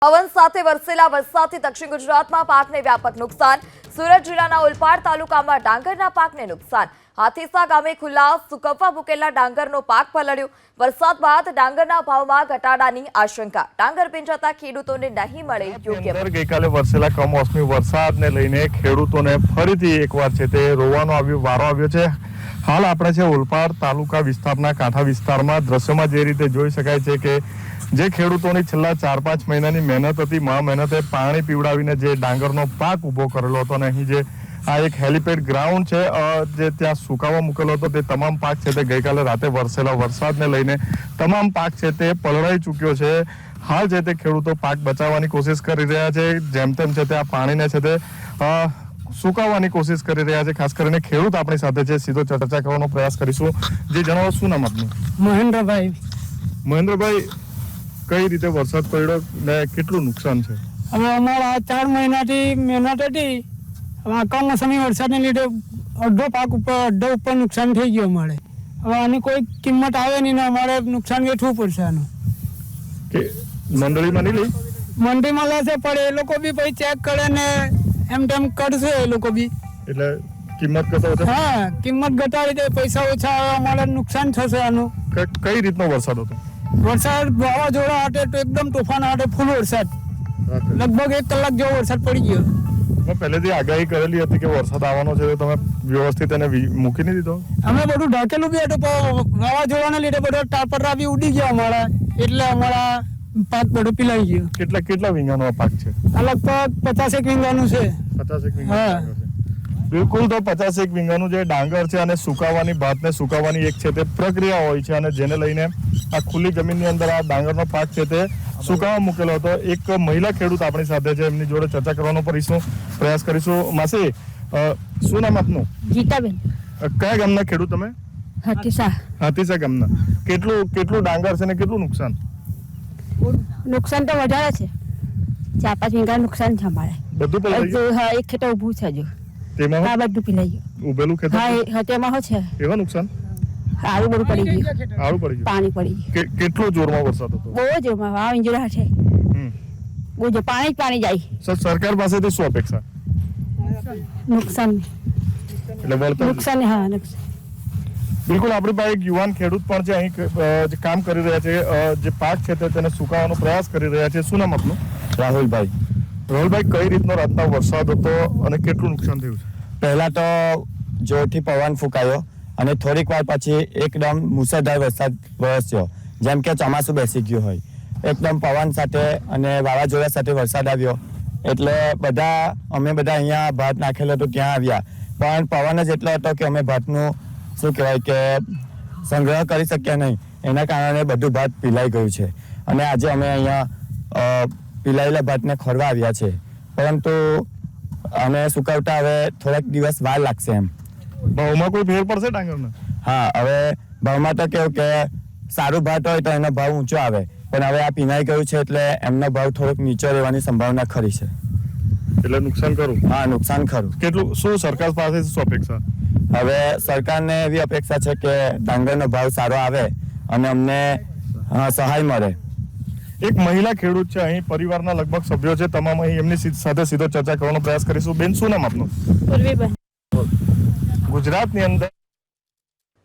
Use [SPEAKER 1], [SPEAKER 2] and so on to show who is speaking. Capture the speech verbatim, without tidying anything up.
[SPEAKER 1] પવન સાથે વરસેલા વરસાદથી દક્ષિણ ગુજરાતમાં પાકને વ્યાપક નુકસાન. સુરત જિલ્લાના ઓલપાડ તાલુકામાં ડાંગરના પાકને નુકસાન. હાથીસા ગામે ખુલ્લા સુકવવા મૂકેલા ડાંગરનો પાક પલળ્યો. વરસાદ બાદ ડાંગરના ભાવમાં ઘટાડાની આશંકા. ડાંગર ભીંજાતા ખેડૂતોને નહીં મળે યોગ્ય ભાવ.
[SPEAKER 2] ગઈકાલે વરસેલા કમોસમી વરસાદને લઈને ખેડૂતોને ફરીથી એકવાર છે તે રોવાનો આવ્યો વારો આવ્યો છે. હાલ આપણે છે ઓલપાડ તાલુકા વિસ્તારના કાંઠા વિસ્તારમાં. દ્રશ્યમાં જે રીતે જોઈ શકાય છે કે જે ખેડૂતોની છેલ્લા ચાર પાંચ મહિનાની મહેનત હતી, મહા મહેનતે પાણી પીવડાવીને જે ડાંગરનો પાક ઉભો કરેલો હતો અને અહીં જે આ એક હેલિપેડ ગ્રાઉન્ડ છે જે ત્યાં સુકાવા મૂકેલો હતો, તે તમામ પાક છે તે ગઈકાલે રાતે વરસેલા વરસાદને લઈને તમામ પાક છે તે પલળાઈ ચૂક્યો છે. હાલ છે તે ખેડૂતો પાક બચાવવાની કોશિશ કરી રહ્યા છે. જેમ તેમ છે તે આ પાણીને છે તે સુકાવવાની કોશિશ કરી રહ્યા છે. ખાસ કરીને ખેડૂત આપણી સાથે છે, સીધો ચર્ચા કરવાનો પ્રયાસ કરીશું. જે જણાવો, શું નામ આપનું?
[SPEAKER 3] મહેન્દ્રભાઈ.
[SPEAKER 2] મહેન્દ્રભાઈ, કઈ રીતે વરસાદ પડ્યો ને કેટલું નુકસાન છે?
[SPEAKER 3] હવે અમારા ચાર મહિનાથી મહેનત હતી, હવે કમોસમી વરસાદને લીધે અડધો પાક ઉપર અડધો ઉપર નુકસાન થઈ ગયું અમારે. હવે આની કોઈ કિંમત આવે નહીં ને અમારે નુકસાન વેઠવું પડશે આનું.
[SPEAKER 2] કે મંડળીમાં નહીં લઈ?
[SPEAKER 3] મંડીમાં લેશે પડે, એ લોકો બી પછી ચેક કરે ને એમ તેમ કરશે એ લોકો બી.
[SPEAKER 2] એટલે કિંમત ઘટાડો?
[SPEAKER 3] હા, કિંમત ઘટાડી દે, પૈસા ઓછા આવે, અમારે નુકસાન થશે આનું.
[SPEAKER 2] કઈ રીતનો વરસાદ હતો?
[SPEAKER 3] વરસાદ વાવાઝોડા હાટે તો એકદમ તોફાન હાટે ફૂલ વરસાદ, લગભગ એક કલાક જેવો વરસાદ પડી ગયો.
[SPEAKER 2] મેં પહેલેથી આગાહી કરેલી હતી કે વરસાદ આવવાનો છે, તો તમે વ્યવસ્થિત એને મૂકી નહીં દીધો?
[SPEAKER 3] અમે બધું ઢાંકેલું બી હતું, પણ વાવાઝોડાને લીધે બધો ટાપરા બી ઉડી ગયા અમારા, એટલે અમારા પાક બધો પીલાઈ ગયો.
[SPEAKER 2] કેટલા કેટલા વીંગાનો પાક છે?
[SPEAKER 3] આ લગભગ પચાસેક વીંગાનું છે.
[SPEAKER 2] પચાસેક વીંગા? બિલકુલ. તો પચાસેક વીંગાનું જે ડાંગર છે અને સુકાવાની ભાતને સુકાવવાની એક છે તે પ્રક્રિયા હોય છે, અને જેને લઈને આ ખુલ્લી જમીનની અંદર આ ડાંગરનો પાક છે તે સુકાવા મૂકેલો હતો. એક મહિલા ખેડૂત આપણી સાથે છે, એમની જોડે ચર્ચા કરવાનો કરીશું, પ્રયાસ કરીશું. માસી, શું નામ આપનું?
[SPEAKER 4] ગીતાબેન.
[SPEAKER 2] કયા ગામના ખેડૂત તમે?
[SPEAKER 4] હાથીસા.
[SPEAKER 2] હાથીસા ગામના. કેટલું કેટલું ડાંગર છે ને કેટલું નુકસાન?
[SPEAKER 4] નુકસાન તો વધારે છે, ચાર પાંચ વીઘા નુકસાન છે અમારે.
[SPEAKER 2] બધું પલળી ગયું?
[SPEAKER 4] હા, એક ખેતર ઊભું છે હજુ.
[SPEAKER 2] તેમાં
[SPEAKER 4] હા, બધું પીલાઈ ગયું.
[SPEAKER 2] ઉભેલું ખેતર?
[SPEAKER 4] હા, તેમાં શું છે?
[SPEAKER 2] એવા નુકસાન?
[SPEAKER 4] આળું બધું પડી ગયું.
[SPEAKER 2] આળું પડી ગયું?
[SPEAKER 4] પાણી પડી ગયું.
[SPEAKER 2] કેટલો જોરમાં વરસાદ હતો?
[SPEAKER 4] બહુ જોરમાં. વાવ ઇંજરા છે, બહુ જો પાણી જ પાણી જાય.
[SPEAKER 2] સર, સરકાર પાસેથી શું અપેક્ષા?
[SPEAKER 4] નુકસાન
[SPEAKER 2] એટલે વળતર?
[SPEAKER 4] નુકસાન, હા, નુકસાન.
[SPEAKER 2] બિલકુલ. આપણી પાસે એક યુવાન ખેડૂત પણ છે, અહીં જે કામ કરી રહ્યા છે, જે પાક છે તેને સુકાવવાનો પ્રયાસ કરી રહ્યા છે. શું નામ આપનું?
[SPEAKER 5] રાહુલભાઈ.
[SPEAKER 2] રાહુલભાઈ, કઈ રીતનો રાતનો વરસાદ હતો અને કેટલું નુકસાન થયું છે?
[SPEAKER 5] પહેલા તો જોરથી પવન ફૂંકાયો અને થોડીક વાર પછી એકદમ મુસળધાર વરસાદ વરસ્યો, જેમ કે ચોમાસું બેસી ગયું હોય. એકદમ પવન સાથે અને વાવાઝોડા સાથે વરસાદ આવ્યો, એટલે બધા અમે બધા અહીંયા ભાત નાખેલો હતો ત્યાં આવ્યા, પણ પવન જ એટલો હતો કે અમે ભાતનું શું કહેવાય કે સંગ્રહ કરી શક્યા નહીં. એના કારણે બધું ભાત પીલાઈ ગયું છે અને આજે અમે અહીંયા પીલાયેલા ભાતને ખોરવા આવ્યા છે, પરંતુ અમે સુકવતા હવે થોડાક દિવસ વાર લાગશે. એમ
[SPEAKER 2] ભાવમાં કોઈ ફેર પડશે ડાંગરના?
[SPEAKER 5] હા, હવે ભાવમાં તો કેવું કે સારું ભાત હોય તો એનો ભાવ ઊંચો આવે, પણ હવે આ પીનાઈ ગયું છે એટલે એમનો ભાવ થોડોક નીચો રહેવાની સંભાવના ખરી છે.
[SPEAKER 2] એટલે નુકસાન ખરું?
[SPEAKER 5] હા, નુકસાન ખરું.
[SPEAKER 2] કેટલું? શું સરકાર પાસે શું અપેક્ષા?
[SPEAKER 5] હવે સરકારને એવી અપેક્ષા છે કે ડાંગરનો ભાવ સારો આવે અને અમને સહાય મળે.
[SPEAKER 2] એક મહિલા ખેડૂત છે, અહીં પરિવારના લગભગ સભ્યો છે, તમામ અહીં એમની સાથે સીધો ચર્ચા કરવાનો પ્રયાસ કરીશું. બેન, શું નામ આપનું?
[SPEAKER 4] પૂર્વીબેન.
[SPEAKER 2] ગુજરાતની અંદર